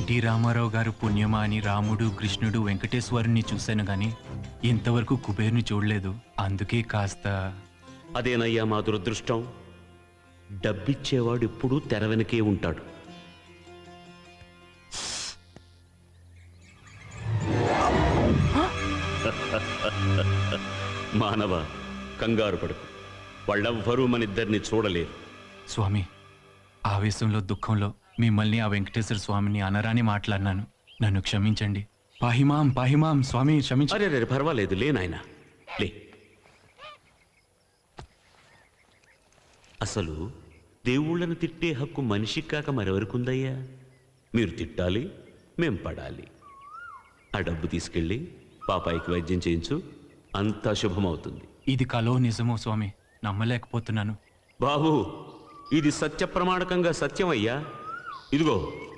NT Ramarao గారు పుణ్యమా అని రాముడు కృష్ణుడు వెంకటేశ్వరుని చూశాను గాని ఇంతవరకు కుబేర్ని చూడలేదు. అందుకే కాస్త. అదేనయ్యా మా దురదృష్టం. డబ్బిచ్చేవాడు ఎప్పుడూ తెర వెనకే ఉంటాడు. మానవ, కంగారు పడుకు. వాళ్ళెవ్వరూ మనిద్దరిని చూడలేరు. స్వామి, ఆవేశంలో దుఃఖంలో మిమ్మల్ని ఆ వెంకటేశ్వర స్వామిని అనరాని మాట్లాడినాను. నన్ను క్షమించండి. పాహిమాం పాహిమాం స్వామి, క్షమించ. అరే రే, పర్వాలేదు, లే నాయనా, లే. అసలు దేవుళ్ళను తిట్టే హక్కు మనిషికి కాక మరెవరికుందయ్యా? మీరు తిట్టాలి, మేం పడాలి. ఆ డబ్బు తీసుకెళ్ళి పాపాయికి వైద్యం చేయించు, అంతా శుభమవుతుంది. ఇది కలో నిజమో స్వామి? నమ్మలేకపోతున్నాను. బాబు, ఇది సత్య ప్రమాణకంగా సత్యమయ్యా. ఇదిగో